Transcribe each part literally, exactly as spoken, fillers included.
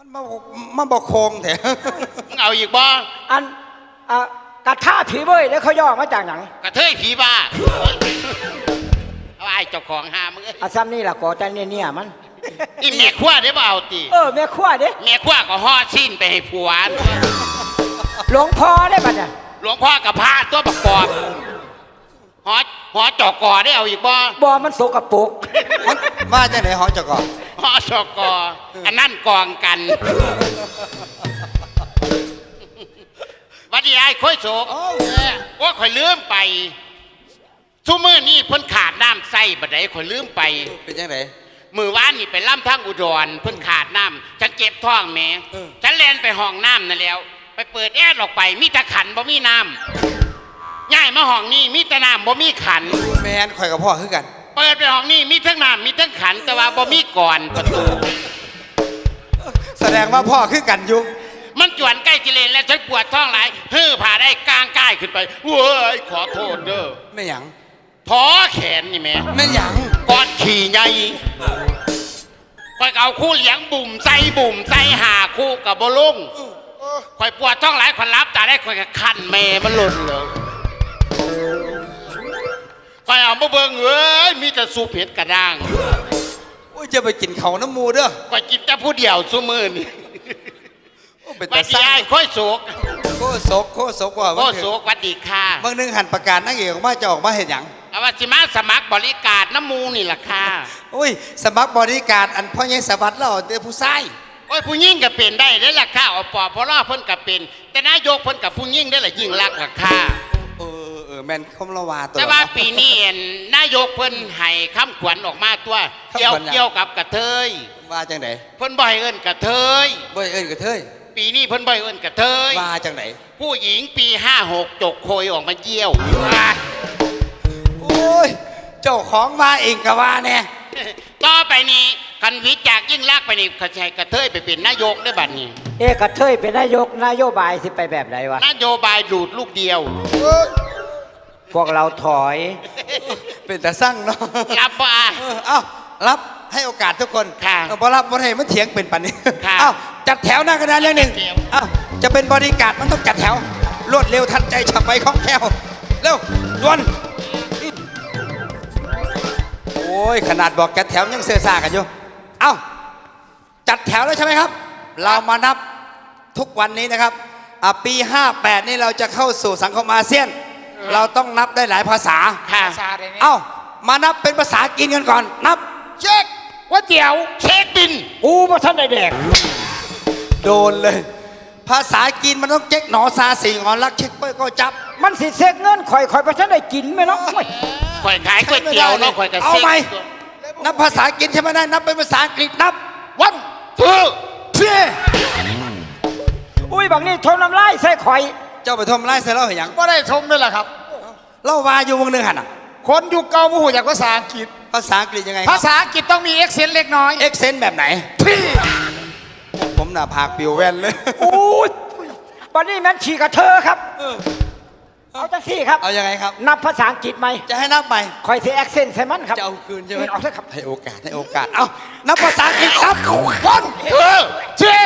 มันมามาบอกโคงแถวมึงเอาอีกบ่อันอ่ะกระท่าผีเบ้ยแล้วเขาย่อมาจากหนังกระเทยผีบ้าเอาไอ้เจ้าของหามึงอาซ้ำนี่ล่ะก่อแต่เนี่ยเนี่ยมันอีแม่ขั้วได้บ่เอาตีเออแม่ขั้วเด้แม่ขั้วก็ห่อชิ้นไปให้ผัวหลวงพ่อได้ปะเนี่ยหลวงพ่อกับพระตัวประกอบหอหอจอกอได้เอาอีกบ่บ่มันโสกปรกมาจากไหนหอจอกอหอจอกออันนั่นกองกันวันนี้ไอ้ค่อยโศกว่าข่อยลืมไปชั่วมือนี่เพิ่นขาดน้ำใส่บัดใดข่อยลืมไปเป็นยังไงมือวานนี่ไปล่ำทั้งอุดรเพิ่นขาดน้ำฉันเก็บท้องแม่ฉันแล่นไปห้องน้ำนั่นแล้วไปเปิดแอร์ออกไปมีแต่ขันบ่มีน้ำง่ายมาห้องนี้มีแต่น้ำบ่มีขันแม่นข่อยกับพ่อคือกันเปิดไปห้องนี้มีทั้งน้ำมีทั้งขันแต่ว่าบ่มีก่อนประตูแสดงว่าพ่อคือกันอยู่มันจวนใกล้จิเลนแล้วฉันปวดท้องหลายเฮ้อผ่าได้กลางก้ายขึ้นไปเว้ยขอโทษเด้อไม่หยังท้อแขนนี่แม่ไม่หยังก้อนขี่ใหญ่คอยเอาคู่เหลียงบุ่มใจบุ่มใจหาคู่กับบ่ลุงคอยปวดท้องหลายคนรับแต่ได้คอยกับคันแม่มันหล่นเลยคอยเอามาเบิ่งเอ้ยมีแต่สูบเผ็ดกระด้างโอ้ยจะไปกินเขาน้ำมูเด้อคอยกินแต่ผู้เดียวซุมื้อนี่วัดดีไอ้ค่อยโศกโคโศกโคโศกว่าโคโศกวัดดีค่ะบางนึงหันประกาศนักเอกออกมาจะออกมาเห็นอย่างเอาว่าสิมาสมัครบริการน้ำมูนี่แหละค่ะอุ้ยสมัครบริการอันพ่อใหญ่สวัสดิ์เราเดี๋ยวผู้ชายโอ้ยผู้ยิ่งก็เป็นได้ได้ละค่ะอปอพอล่อเพิ่นก็เป็นแต่นายกเพิ่นกับผู้ยิ่งได้ละยิ่งรักละค่ะเออเออแมนคมละวาตัวแต่ว่าปีนี้นายกเพิ่นให้คำขวัญออกมาตัวเกี่ยวเกี่ยวกับกระเทยว่าจังไหนเพิ่นบ่ให้เอิ้นกระเทยบ่ให้เอิ้นกระเทยปีนี้เพิ่นบ่ให้เอิ้นกระเทยว่าจังไหนผู้หญิงปีห้าหกจกโคยออกมาเยี่ยวโอ้ยเจ้าของมาเองก็ว่าแน่ต่อไปนี้คันวิจากยิ่งลากไปนี่เขาใช้กระเทยไปเป็นนายกได้บัดนี้เอ๊ะกระเทยเป็นนายกนโยบายสิไปแบบไหนวะนโยบายดูดลูกเดียวพวกเราถอยเป็นแต่สั่งเนาะรับป่ะเอ้ารับให้โอกาสทุกคนค่ะพอรับพอให้มันเถียงเป็นปันนี้เอ้าจัดแถวหน้ากระดานเรื่องหนึ่งเอ้าจะเป็นบริการมันต้องจัดแถวรวดเร็วทันใจฉับไวคล่องแคล่วเร็วด่วนโอ้ยขนาดบอกจัดแถวยังเสื่อซ่ากันอยู่เอ้าจัดแถวแล้วใช่ไหมครับเรามานับทุกวันนี้นะครับปีห้าแปดนี่เราจะเข้าสู่สังคมอาเซียนเราต้องนับได้หลายภาษาเอ้ามานับเป็นภาษากินกันก่อนนับเช็คก๋วยเตี๋ยวเช็คบินกูมาท่านได้แดกโดนเลยภาษากินมันต้องเช็คหนอซาสี่งอนรักเช็คเปิ้ลก็จับมันสิเซ็กเงินข่อยข่อยมาท่านได้กินไหมเนาะข่อยขายก๋วยเตี๋ยวเนาะข่อยกระเซ็กเอาไหมนับภาษากินใช่ไหมได้นับเป็นภาษาอังกฤษนับวันทูเพียอุ้ยบางนี่ทมน้ำลายใส่ข่อยเจ้าไปทมน้ำลายใส่เราเห็นยังก็ได้ชมด้วยแหละครับเล่าวาอยู่วงหนึ่งหันอ่ะคนยุคเก่าผู้หูจากภาษาอังกฤษภาษาอังกฤษยังไงภาษาอังกฤษต้องมีเอ็กเซนต์เล็กน้อยเอ็กเซนต์แบบไหนพี่ผมหน้าผากปิวแว่นเลยโอ้ยวันนี้แม่นฉีกกระเทอครับเอาจังสี่ครับเอายังไงครับนับภาษาอังกฤษไหมจะให้นับไหมคอยเสียแอคเซนต์ใช่มันครับจะเอาคืนใช่ไหมเอาเถอะครับให้โอกาสให้โอกาสเอานับภาษาอังกฤษครับวันเออเจ้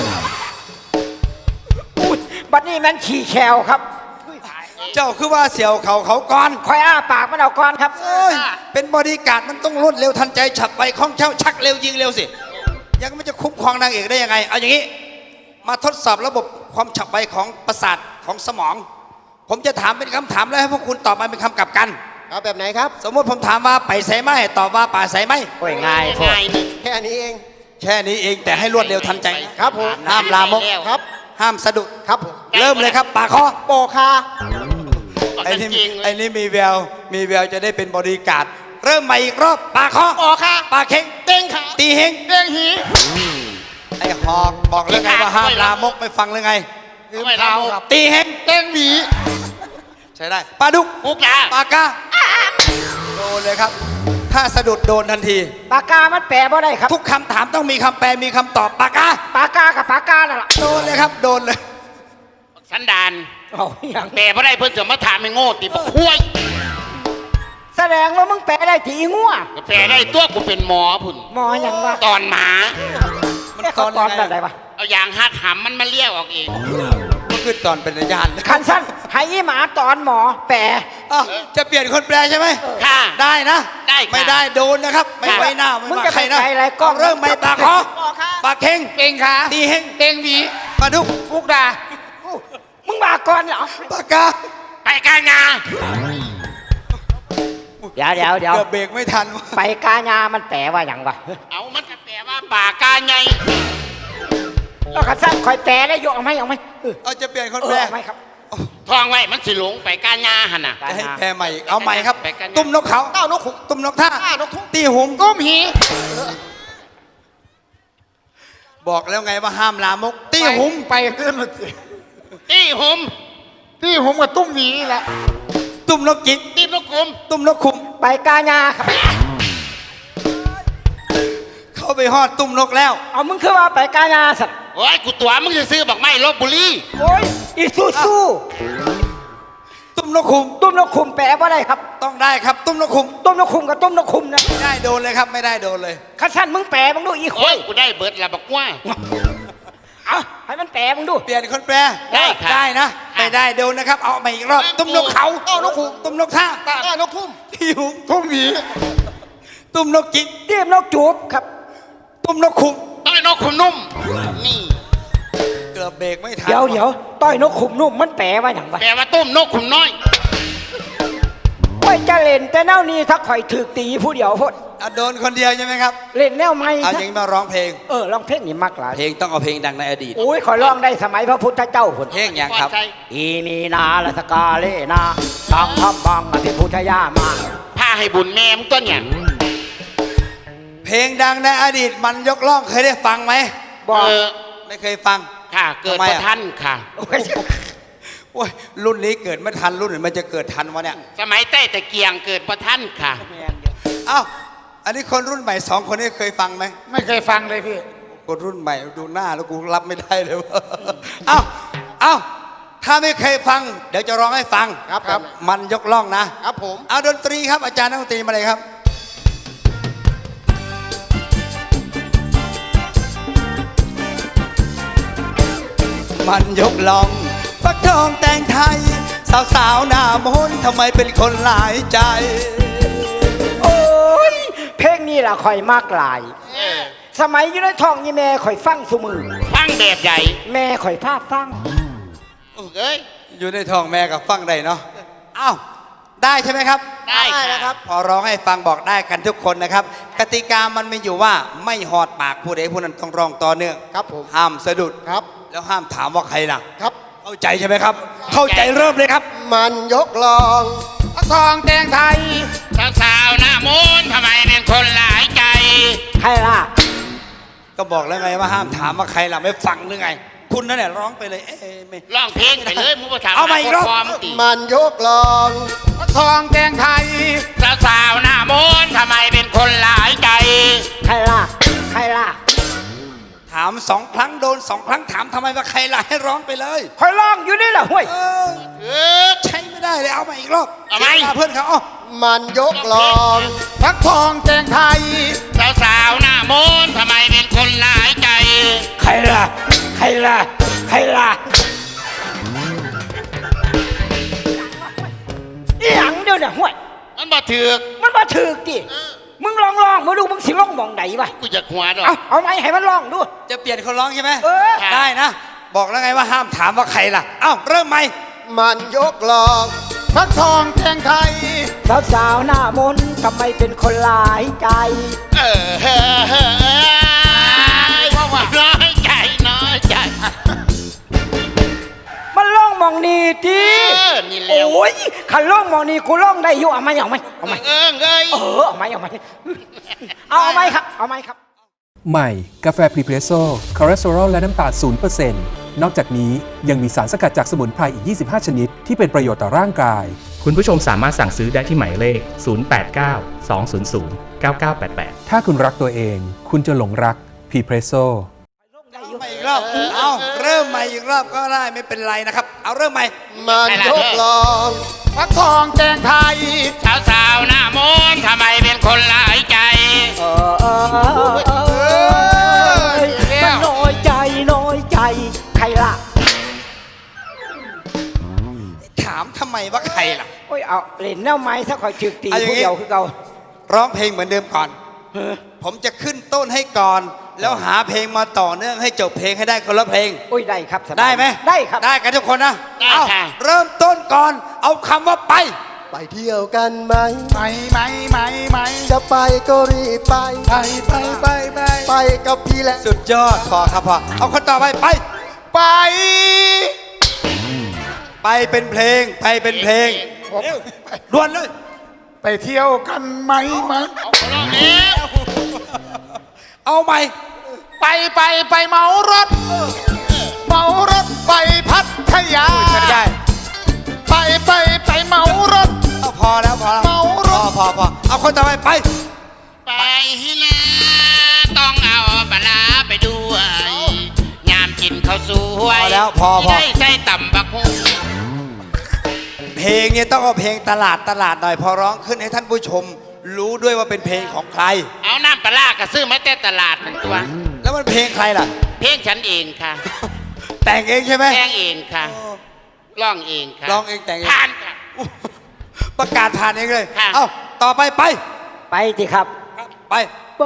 บัดนี้แม่นฉี่แคลครับเจ้าคือว่าเสี่ยวเขาเขาก่อนคอยอ้าปากมันเอาก่อนครับเป็นบริการมันต้องรวดเร็วทันใจฉับไวคล่องแคล่วชักเร็วยิงเร็วสิยังไม่จะคุ้มครองนางเอกได้ยังไงเอาอย่างนี้มาทดสอบระบบความฉับไวของประสาทของสมองผมจะถามเป็นคำถามแล้วให้พวกคุณตอบมาเป็นคำกลับกันเอาแบบไหนครับสมมติผมถามว่าไปใส่ไหมตอบว่าป่าใส่ไหมโอ้ยง่ายง่ายแค่นี้เองแค่นี้เองแต่ให้รวดเร็วทันใจครับผมห้ามลามกครับห้ามสะดุดครับผมเริ่มเลยครับปากคอโปคาไอ้นี่ไอ้นี่มีแววมีแววจะได้เป็นบริการเริ่มใหม่อีกรอบปากคอโปคาปากเข่งเต้งขาตีเฮงเต้งหีไอ้หอกบอกเลยไงว่าห้ามลามกไม่ฟังเลยไงตีเฮงเต้งหวีใช่ได้ปลาดุกปุกยาปากกาโดนเลยครับถ้าสะดุดโดนทันทีปากกามันแปลว่าได้ครับทุกคำถามต้องมีคำแปลมีคำตอบปากกาปากกากับปากกานั่นแหละโดนเลยครับโดนเลยสันดานเอาอย่างแปลว่าได้เพิ่นจะมาถามไม่โง่ตีบักคุ้ยแสดงว่ามึงแปลได้ตีงัวแปลได้ตัวกูเป็นหมอพุ่นหมออย่างวะตอนหมามันตอนแบบไหนวะยางหัดหำมันมาเลี้ยวออกเองก็คือตอนเป็นญาณคันสั้นให้อีหมาตอนหมอแปรอ้าวจะเปลี่ยนคนแปลใช่ไหมค่ะได้นะได้ค่ะไม่ได้โดนนะครับ ไม่ไว้หน้าไม่มึงว่าจะใครนะไปอะไรกล้องเอาเริ่มไม่ปากคอปากเข่งเองค่ะตีเฮงเองหวีปลาดุกฟุกดามึงมาก่อนเหรอปากกาไปกางาเดี๋ยวเดี๋ยวเดี๋ยวเกือบเบรกไม่ทันว่ะไปกาญามันแปลว่าอย่างวะเอามันจะแปลว่าป่ากาไงแล้วคันสั้นคอยแปลได้ยกเอาไหมเอาไหมเออเอาจะเปลี่ยนคนเอแปลอเอาไหมครับทองไว้มันสิหลงไปกางาหันน่ะจะให้แปลใหม่อีกเอาใหม่ครับไปกันนะตุ้มนกเขาเต้านกขุกตุ้มนกท่าอ้านกทุ่งตีหุมก้มหีบอกแล้วไงว่าห้ามลามก ตีหุมไปเรื่อนมาสิตีหุมที่ผมกับตุ้มหวีแหละตุ้มนกจิกตีนกกลมตุ้มนกขุมไปกาญาครับเข้าไปฮอดตุ้มนกแล้วเอามึงคือว่าไปกาญาสัตว์โอ้ยกูตัวมึงจะซื้อบอกไม่ลบบุรีโอ้ยอีซูซูตุ้มนกขุมตุ้มนกคุมแปลว่าได้ครับต้องได้ครับ ตุ้มนกขุมตุ้มนกคุมกับตุ้มนกคุมนะไม่ได้โดนเลยครับ ไม่ได้โดนเลยคันสั้นมึงแปลมึงดูอีกคโอ้ยนกูได้เบิร์ดละบอกว่าเอาให้มันแปลมึงดูเปลี่ยนคนแปลได้ครับได้นะ ไม่ได้โดนนะครับ เอาใหม่อีกรอบ ตุ้มนกเขาเต้านกขุกตุ้มนกท่าอ้านกทุ่มตีหุมทุ่มหวีตุ้มนกจิกเตรียมนกจูบครับตุ้มนกขุมต้อยนกขุมนุ่ม นี่เกือบเบรกไม่ทันเดี๋ยวเดี๋ยวต้อยนกขุมนุ่มมันแปลว่าอย่างวะแปลว่าต้มนกขุมน้อยโอ้ยจะเล่นแต่แนวนี้ถ้าข่อยถือตีผู้เดียวพดอ่ะโดนคนเดียวใช่ไหมครับเล่นแนวไม่เอาอย่างนี้มาร้องเพลงเออลองเพลงนี่มักหลายเพลงต้องเอาเพลงดังในอดีตโอ้ยข่อยร้องได้สมัยพระพุทธเจ้าพนเพลงอย่างครับใจอีนีนาละสกาเลนาสังทำบังอภิพุทธยามาผ้าให้บุญแม่มงต้นเนี่ยเพลงดังในอดีตมันยกล่องเคยได้ฟังไหมบอกเออไม่เคยฟังค่ะ เกิดทำไมพอ่ะระท่านค่ะโอ้ยโอ้ยรุ่นนี้เกิดไม่ทันรุ่นอื่นมันจะเกิดทันวะเนี่ยสมัยใต้ตะเกียงเกิดพระท่านค่ะเอ้าอันนี้คนรุ่นใหม่สองคนนี้เคยฟังไหมไม่เคยฟังเลยพี่คนรุ่นใหม่ดูหน้าแล้วกูรับไม่ได้เลยว่า เอ้าเอ้าถ้าไม่เคยฟัง เดี๋ยวจะร้องให้ฟังครับครับมันยกล่องนะครับผมเอาดนตรีครับอาจารย์นักดนตรีมาเลยครับ มันยกล่องฟักทองแต่งไทย สาวๆหน้ามนต์ทำไมเป็นคนหลายใจโอ้ยเพลงนี้ล่ะข่อยมากหลายเออสมัยอยู่ในท้องยี่แม่ข่อยฟังสมือฟังแบบใหญ่แม่ข่อยภาพฟังเอ้ยอยู่ในท้องแม่กับฟังได้เนาะอ้าวได้ใช่ไหมครับได้ได้ค่ะนะครับพอร้องให้ฟังบอกได้กันทุกคนนะครับ กติกามันมีอยู่ว่าไม่หอดปากผู้ใดผู้นั้นต้องร้องต่อเนื่องครับผมห้ามสะดุดครับแล้วห้ามถามว่าใครล่ะครับเข้าใจใช่ไหมครับ เข้าใจเริ่มเลยครับมันยกลองพระทองแดงไทยสาวๆหน้ามนต์ทำไมเป็นคนหลายใจใครล่ะก็บอกแล้วไงว่าห้ามถามว่าใครล่ะไม่ฟังหรือไง คุณนั่นแหละร้องไปเลยเอ๊ะไม่ร้องเพลงไปเลยมึงมาถามเอาใหม่อีกรอบหความติมันยกลองพระทองแดงไทยสาวๆหน้ามนต์ทำไมเป็นคนหลายใจใครล่ะ ใครล่ะถามสองครั้งโดนสองครั้งถามทำไมว่าใครล่ะให้ร้องไปเลยข่อยร้องอยู่นี่ล่ะห้วยเออเออใช้ไม่ได้เลยเอามาอีกรอบเอาไหมสียวลเพื่อนเขาอ้อมันยกลองพระทองแดงไทยสาวๆหน้ามนต์ทำไมเป็นคนหลายใจใครล่ะ ใครล่ะ ใครล่ะอีหยังเดี๋ยวเนี่ยห้วยมันบ่ถือกมันมาถือติมึงลองลองมาดูมึงสิร้องมองไหนวะกูจะหัวดอกเอาเอาไหมให้มันร้องดูจะเปลี่ยนคนร้องใช่ไหมเออค่ะได้นะ บอกแล้วไงว่าห้ามถามว่าใครล่ะเอ้าเริ่มไหมมันยกลองพระทองแดงไทยสาวสาวๆหน้ามนต์ทำไมเป็นคนหลายใจเออเฮ้อเฮ้อเฮ้อว่าน้อยใจน้อยใจมันร้องมองนี่ทีเออนี่แล้วโอ้ยขันร้องมองนี่กูร้องได้อยู่เอาไหมเอาไหมเอาไหมเอิงเอ้ยเออเอาไหมเอาไหมเอาเอาไหมครับเอาไหมครับใหม่ กาแฟพรีเพรสโซ่คอเลสเตอรอลและน้ำตาล ศูนย์เปอร์เซ็นต์ นอกจากนี้ยังมีสารสกัดจากสมุนไพรอีก ยี่สิบห้า ชนิด ที่เป็นประโยชน์ต่อร่างกายคุณผู้ชมสามารถสั่งซื้อได้ที่หมายเลข ศูนย์ แปด เก้า สอง ศูนย์ ศูนย์ เก้า เก้า แปด แปดถ้าคุณรักตัวเอง คุณจะหลงรักพรีเพรสโซ่ใหม่อีกรอบ เอาเริ่มใหม่อีกรอบก็ได้ไม่เป็นไรนะครับ เอาเริ่มใหม่มันยกลองพระทองแดงไทยสาวๆหน้ามนต์ทำไมเป็นคนหลายใจเออเออเออเออมันน้อยใจน้อยล่ะถามทำไมว่าใครล่ะโอ้ยเอาเล่นแนวไม้ถ้าคอยจึกตีเอาอย่างผู้งี้เดียวคือเก่าร้องเพลงเหมือนเดิมก่อน ผมจะขึ้นต้นให้ก่อน แล้วหาเพลงมาต่อเนื่องให้จบเพลงให้ได้คนละเพลงโอ้ยได้ครับสบายได้ไหมได้ครับได้กันทุกคนนะได้เอาค่ะเริ่มต้นก่อน เอาคำว่าไปไปเที่ยวกันไหมไปไหมไหมไหมจะไปก็รีบไปไปไปไปไปไปกับพี่แหละสุดยอดพอครับพอเอาคนต่อไปไปไปไปเป็นเพลง ไปเป็นเพลงด่วนเลยไปเที่ยวกันไหมไหมเอาคนละแล้วเอาใหม่ไปไปไปเมารถ เมารถไปพัทยาไม่ได้ไปไปไปเมารถเอาพอแล้วพอแล้วเมารถพอพอพอเอาคนต่อไปไปไปนะต้องเอาปลาร้าไปด้วยยามกินข้าวสวยพอแล้วพอพอได้ใส่ต่ำบักหุ่งเพลงเนี่ยต้องเอาเพลงตลาดตลาดหน่อยพอร้องขึ้นให้ท่านผู้ชม รู้ด้วยว่าเป็นเพลงของใครเอาน้ำปลาร้ากระซื้อมาแต่ตลาดมันตัวแล้วมันเพลงใครล่ะเพลงฉันเองค่ะแต่งเองใช่ไหมแจ้งเองค่ะร้องเองค่ะร้องเองแต่งเองผ่านค่ะประกาศผ่านเองเลยค่ะเอาต่อไปไปไปสิครับไปไป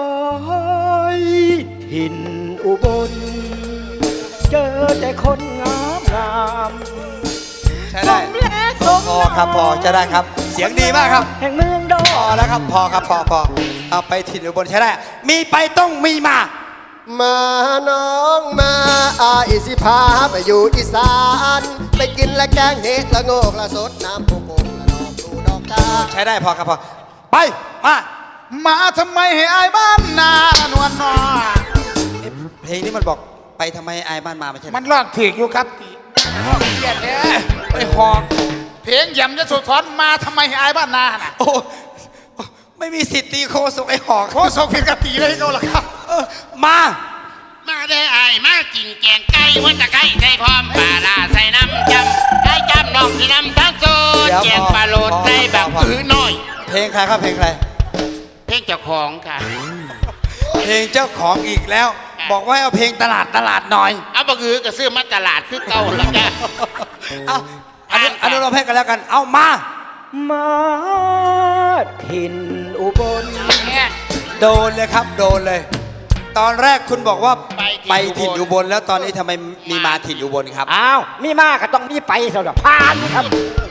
ถิ่นอุบล เจอแต่คนงามงามใช้ได้สมและสมพอครับพอจะได้ครับ เสียงดีมากครับแห่งเมืองดอพอแล้วครับพอครับพอพอเอาไปถิ่นอุบลใช้ได้ มีไปต้องมีมามาน้องมาอาอิสิพาไปอยู่อีสาน ไปกินและแกงเห็ดละโงกละสดน้ำปูปงละดอกดูดอกตาใช้ได้พอครับพอไปมามาทำไมให้อายบ้านนานวลนอเอ๊ะเพลงนี้มันบอกไปทำไมไอ้บ้านมาไม่ใช่เหรอมันลอกถีกอยู่ครับตีลอกเกียดแท้ไปหอกเพลงยำจะสุดทอนมาทำไมให้อายบ้านนาน่ะโอ้ไม่มีสิทธิ์ตีโคศกไอ้หอกโคศกผิดกติเลยเขาล่ะครับเออมามาได้อายมากินแกงไก่หัวตะไคร้ใส่พร้อมปลาร้าใส่น้ำจำไอ้จำน้องที่น้ำทั้งโซนแกงปลาโลดใส่แบบอื้อน้อยเพลงใครครับเพลงใครเพลงเจ้าของค่ะเพลงเจ้าของอีกแล้ว บอกว่าให้เอาเพลงตลาดตลาดหน่อยเอาบะกือก็ซื้อมาตลาดคือเก่าแล้วจ้ะเอาอนุอนุโลมให้กันแล้วกัน เอามามาถิ่นอุบลเนี่ยโดนเลยครับโดนเลย ตอนแรกคุณบอกว่าไปไปถิ่ถิ่นนอุอุบบ ลลแล้วตอนนี้ทำไมมีมาถิ่นอุบลครับอ้าว มีมากก็ต้องมีไปสำหรับผ่านครับ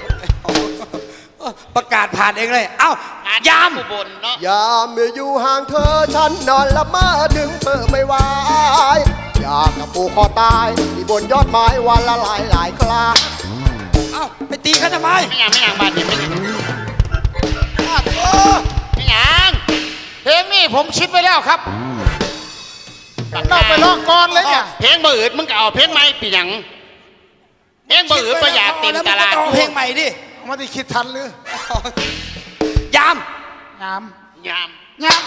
ประกาศผ่านเองเลย เอ้าอ่านยามอุบลเนาะยามเมื่ออยู่ห่างเธอฉันนอนละเมอถึงเธอไม่ไหวอยากกับปูคอตายที่บนยอดไม้วันละหลายหลายคราเอ้าไปตีเขาทำไมไม่ยังไม่ยังบ้านนี้ไม่ยังอ้าวโอ้ไม่ยังเพลงนี้ผมคิดไว้แล้วครับนอกไปร้องก่อนเลยเนี่ยเพลงบ่อืดมึงก็เอาเพลงใหม่ปีหยังเพลงบ่อืดประหยัดเต็มตลาดแล้วมึงก็ต้องเอาเพลงใหม่ดิไม่ได้คิดทันเลยยามงามยามงาม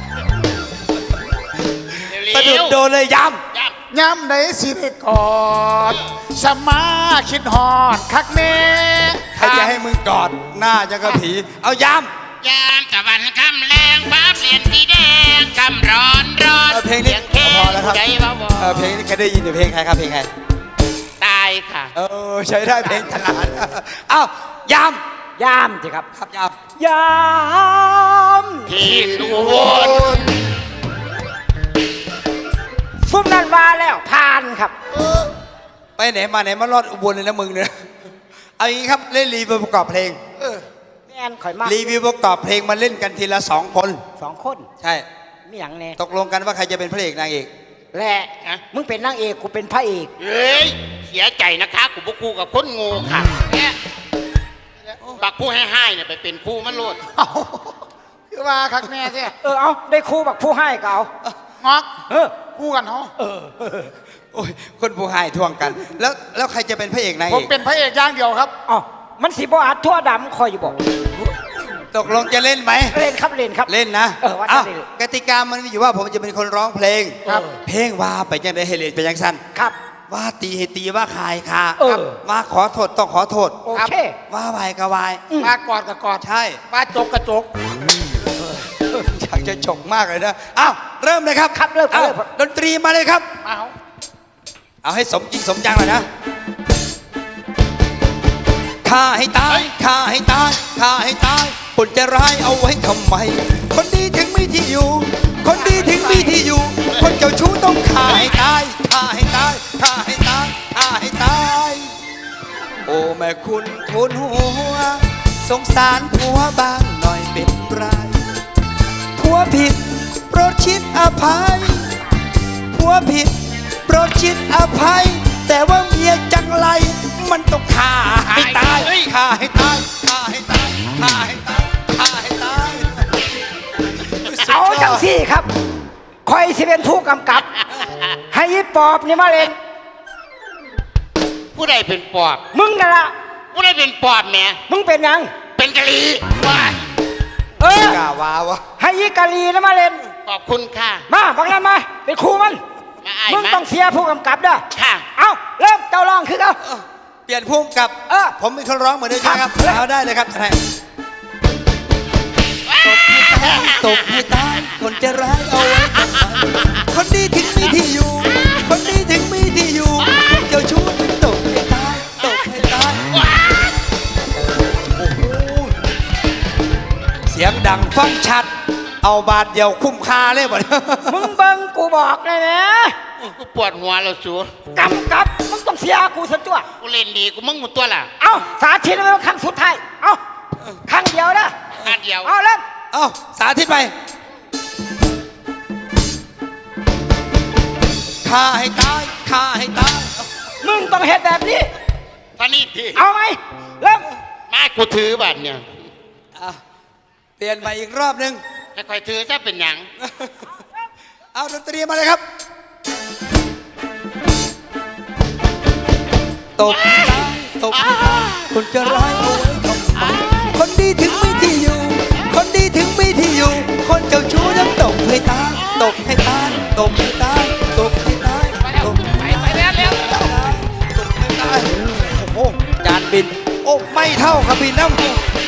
เร็วสะดุดๆโดนเลยยามยามยามไหนสิได้กอดสมาคิดหอดคักเน่ใครจะให้มึงกอดหน้าจะกระผี เอายามยามตะวันคำแรงฟ้าเปลี่ยนสีแดงคำร้อนร้อนเอาเพลงนี้สียเพลงพอแล้วครับใจเบาเออเพลงนี้เคยได้ยินแต่เพลงใครครับเพลงใครๆตายค่ะเออใช้ได้เพลงตลาด เอ้ายามยามสิครับครับยามยามที่อุบลฟุ้มนั่นมาแล้วผ่านครับไปไหนมาไหนมารอดอุบลเลยนะมึงเนี่ยเอาอย่างนี้ครับเล่นรีวิวประกอบเพลงแม่นข่อยมากรีวิวประกอบเพลงมาเล่นกันทีละสองคนสองคนใช่มีอย่างแน่ตกลงกันว่าใครจะเป็นพระเอกนางเอกแหละมึงเป็นนางเอกกูเป็นพระเอกเฮ้ยเสียใจนะคะกูบกูกับคนโงูค่ะเนี่ยบักผู้ให้ให้เนี่ยไปเป็นคู่มันโลดเอาคือว่าคักแน่ใช่เออเอาได้ครูบักผู้ให้ก็เอางอกเออคู่กันเหรอโอ้ยคนผู้ให้ทวงกัน แล้วแล้วใครจะเป็นพระเอกนางผเอมกเป็นพระเอกอย่างเดียวครับเอ๋อมันสีบอัดทั่วดำคอยอยู่บอกตกลงจะเล่นไหมเล่นครับเล่นครับเล่นนะเออว่าจะอ้าวเล่นกติกามันมีอยู่ว่าผมจะเป็นคนร้องเพลงครับเพลงว่าไปยังได้เฮเลนไปยังสั้นครับว่าตีให้ตีว่าคายค่ะเออว่าขอโทษต้องขอโทษโอเคว่าวายก็วายมากอดกับกอดใช่มาจกกับจกอยากจะฉกมากเลยนะอ้าวเริ่มเลยครับครับเริ่มอ้าวเริ่มดนตรีมาเลยครับมาเอาเอาให้สมจริงสมจังเลยนะฆ่าให้ตายฆ่าให้ตายฆ่าให้ตายคนจะร้ายเอาไว้ทำไม คนดีถึงมีที่อยู่ คนดีถึงมีที่อยู่ คนเจ้าชู้ต้องฆ่าให้ตายฆ่าให้ตายฆ่าให้ตายฆ่าให้ตายโอ้แม่คุณทุนหัวสงสารผัวบ้างหน่อยเป็นไรผัวผิดโปรดชิดอภัยผัวผิดโปรดชิดอภัยแต่ว่าเมียจังไรมันต้องฆ่าให้ตายฆ่าให้ตายฆ่าให้ตายฆ่าให้ตายฆ่าให้ตายเอาจังสี่ครับคอยสิเป็นผู้กำกับ ให้ยีปอบนี่มาเล่นผู้ใดเป็นปอบมึงนั่นละผู้ใดเป็นปอบแหม่มึงเป็นหยังเป็นกะลีว้ายเออกล้าวาวะให้ยีกาลีนะมาเล่นขอบคุณค่ะมาบังนั้นมาเป็นครูมันมาอ้ายมึงมาต้องเสียผู้กำกับเด้อค่ะเอาเริ่มเจ้าร้องคือเอาเปลี่ยนพุ่มกับเออผมเป็นคนร้องเหมือนเดิมใช่ไหมครับครับเอาได้เลยครับให้ตบให้ตายคนจะร้ายเอาไว้ทำไมคนดีถึงมีที่อยู่ คนดีถึงมีที่อยู่เจ้าชู้ถึงตบให้ตายตบให้ตายโอ้โหเสียงดังฟังชัด เอาบาทเดียวคุ้มค่าเลยบ่เนี่ยมึงเบิ่งกูบอกเลยนะกูปวดหัวแล้วสูกำกับมึงต้องเสียกูสักตัวกูเล่นดีกูมึงหมดตัวล่ะเอาสาธิตมันครั้งสุดท้ายเอาครั้งเดียวนะอันเดียวเอาเริ่มเอาสาธิตไปฆ่าให้ตายฆ่าให้ตายมึงต้องเฮ็ดแบบนี้ท่านี่ทีเอาไหมเริ่มมากูถือบัตรเนี่ยอ่ะเปลี่ยนใหม่อีกรอบหนึ่งแล้วคอยถือจะเป็นหยังเอาดนตรีมาเลยครับ ตบให้ตายตบให้ตายคนจะร้ายเอาไว้ทำไมคนดีถึงมีที่อยู่ คนดีถึงมีที่อยู่ คนเจ้าชู้นั้นตบให้ตายตบให้ตายตบให้ตายตบให้ตายตบให้ตายไปแล้วเร็วตบให้ตายโอ้โหจานบิน โอ้ไม่เท่ากับบินนะ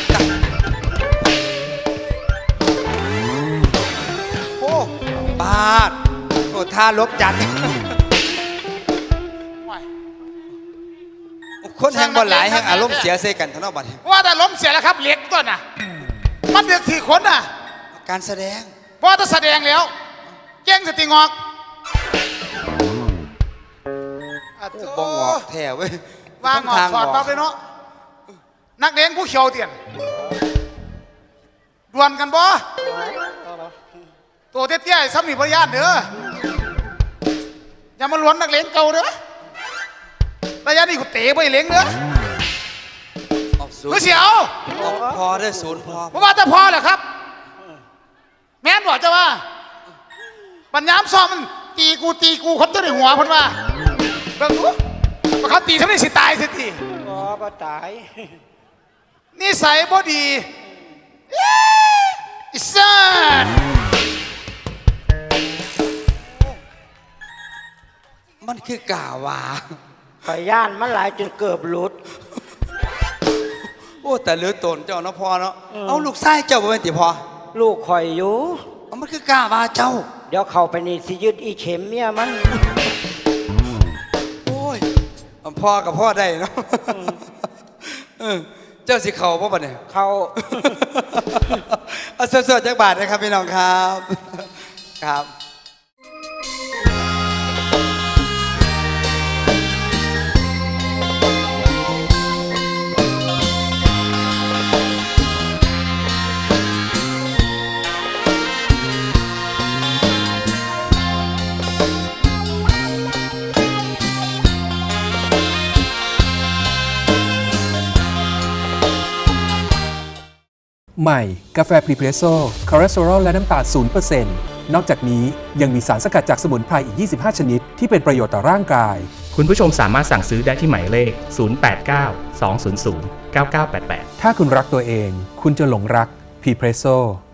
โอ้บาดโอ้ท่าลบจันทร์คนแห่งบอลหลายแห่งอารมณ์เสียเซกันทั้งนอกบัดนี้ว่าแต่ล้มเสียแล้วครับเหล็กต้นน่ะ มันเดือดสี่คนน่ะการแสดงเพราะว่าถ้าแสดงแล้วเก่งสติงอกอ่ะโอ้โถ่บองอกแท้เว้ยว่างอกทางถอดอปั๊บเลยเนาะนักเลี้ยงผู้เขียวเตียนดวลกันบ่ตัวเตี้ยๆซ้ำนี่พยานเด้ออย่ามาล้วนนักเลี้ยงเก่าเด้อระยะนี้กูเตะไปเลี้ยงเด้อออกศูนกูย์เสียวออกพอได้ศูนย์พอเพราะว่าแต่พอแหละครับ แม่นบอกจะว่าปัญญามซ้อมมันตีกูตีกูคนจะได้หัวเพันว่าเบิ่งดูว่าเขาตีทำไมสิตายสิทีอ๋อบ่ตายนิสัยบ่ดีเอ๊ะอิสันมันคือกาวาข่อยย่านมันหลายจนเกือบหลุดโอ้แต่เหลือตนเจ้าเนาะพอเนาะเอาลูกไส้เจ้าบ่เป็นติพอลูกข่อยอยู่เอามันคือกาวาเจ้าเดี๋ยวเข้าไปนี่สิยึดอีเข็มเมียมันโอ้ยเอาพ่อกับพ่อได้เนาะเออเจ้าสิเข่าพ่อปะเนี่ยเขาเอาสดๆจากบาทนะครับพี่น้องครับครับใหม่ กาแฟพรีเพรสโซ่คอเลสเตอรอลและน้ำตาลศูนย์เปอร์เซ็นต์ นอกจากนี้ยังมีสารสกัดจากสมุนไพรอีก ยี่สิบห้า ชนิด ที่เป็นประโยชน์ต่อร่างกายคุณผู้ชมสามารถสั่งซื้อได้ที่หมายเลข ศูนย์ แปด เก้า สอง ศูนย์ ศูนย์ เก้า เก้า แปด แปดถ้าคุณรักตัวเอง คุณจะหลงรักพรีเพรสโซ่